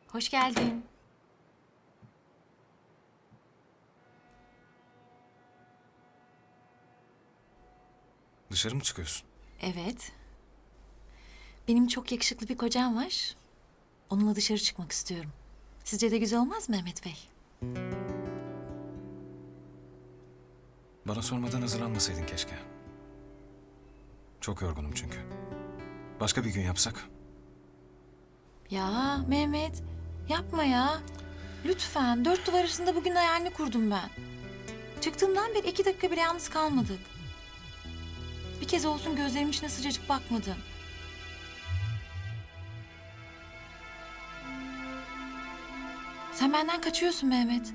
Hoş geldin. Dışarı mı çıkıyorsun? Evet. Benim çok yakışıklı bir kocam var. Onunla dışarı çıkmak istiyorum. Sizce de güzel olmaz mı Mehmet Bey? Bana sormadan hazırlanmasaydın keşke. Çok yorgunum çünkü. Başka bir gün yapsak. Ya Mehmet, yapma ya. Lütfen, dört duvar arasında bugün hayalini kurdum ben. Çıktığımdan beri 2 dakika bile yalnız kalmadık. Bir kez olsun gözlerimin içine sıcacık bakmadın. Sen benden kaçıyorsun Mehmet.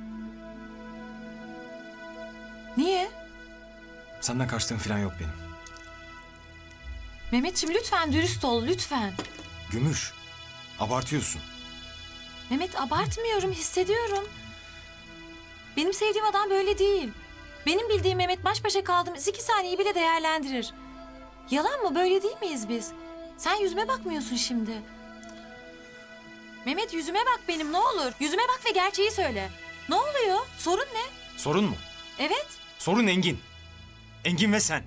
Niye? Senden kaçtığım falan yok benim. Mehmetciğim lütfen dürüst ol, lütfen. Gümüş, abartıyorsun. Mehmet abartmıyorum, hissediyorum. Benim sevdiğim adam böyle değil. Benim bildiğim Mehmet baş başa kaldığımız 2 saniyeyi bile değerlendirir. Yalan mı? Böyle değil miyiz biz? Sen yüzüme bakmıyorsun şimdi. Mehmet yüzüme bak benim ne olur. Yüzüme bak ve gerçeği söyle. Ne oluyor? Sorun ne? Sorun mu? Evet. Sorun Engin. Engin ve sen.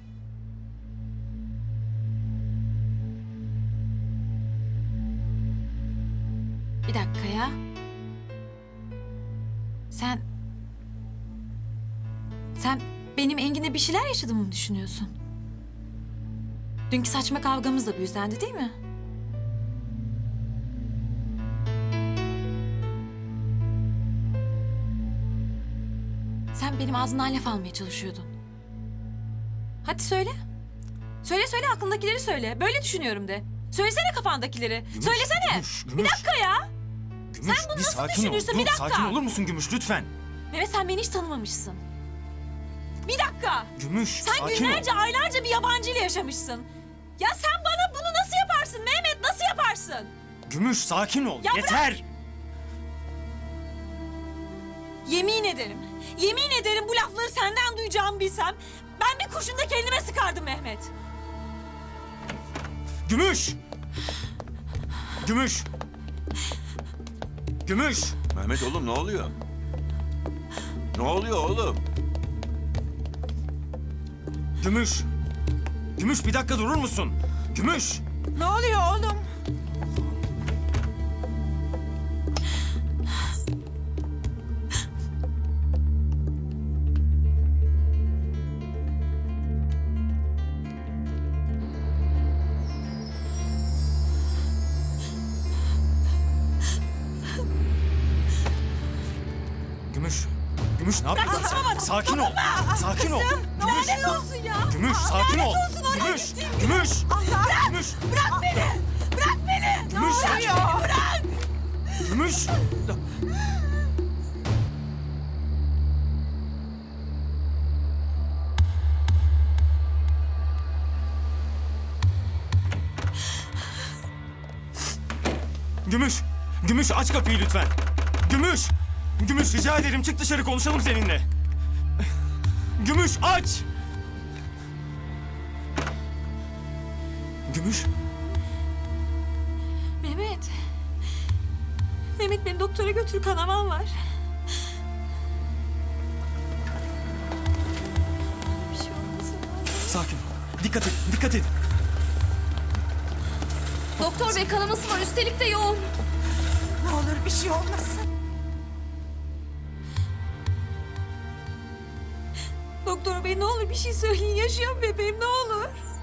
Bir dakika ya. Sen benim Engin'e bir şeyler yaşadığımı mı düşünüyorsun? Dünkü saçma kavgamız da bu yüzdendi değil mi? Sen benim ağzımdan laf almaya çalışıyordun. Hadi söyle. Söyle aklındakileri söyle. Böyle düşünüyorum de. Söylesene kafandakileri. Söylesene. Gümüş, Bir Gümüş. dakika ya. Gümüş, Sen bunu bir nasıl sakin ol. düşünürsün? Dur, Bir dakika. sakin olur musun Gümüş lütfen? Mehmet sen beni hiç tanımamışsın. Bir dakika. Gümüş, Sen sakin günlerce, ol. aylarca bir yabancıyla yaşamışsın. Ya sen bana bunu nasıl yaparsın Mehmet? Nasıl yaparsın? Gümüş, sakin ol. Ya Yeter. Yemin ederim. Yemin ederim bu lafları senden duyacağımı bilsem... ...ben bir kurşun da kendime sıkardım Mehmet. Gümüş. Gümüş. Gümüş. Mehmet oğlum ne oluyor? Ne oluyor oğlum? Gümüş. Gümüş bir dakika durur musun? Gümüş. Ne oluyor oğlum? Gümüş. Gümüş ne yapıyorsun sen? Sakin ol. Sakin ol. Gümüş. Lanet olsun ya. Gümüş sakin ol. olsun oraya Gümüş. gittiğim Gümüş. Allah! Gümüş. Bırak beni! Bırak beni! Gümüş sakin ol. Bırak! Gümüş. Gümüş. Gümüş aç kapıyı lütfen. Gümüş. Gümüş rica ederim çık dışarı konuşalım seninle. Gümüş aç. Gümüş. Mehmet. Mehmet beni doktora götür, kanamam var. Bir şey olmasın. Sakin ol. Dikkat et. Dikkat et. Doktor bey kanaması var, üstelik de yoğun. Ne olur bir şey olmasın. Doktor bey ne olur bir şey söyleyin, yaşıyor mu bebeğim ne olur?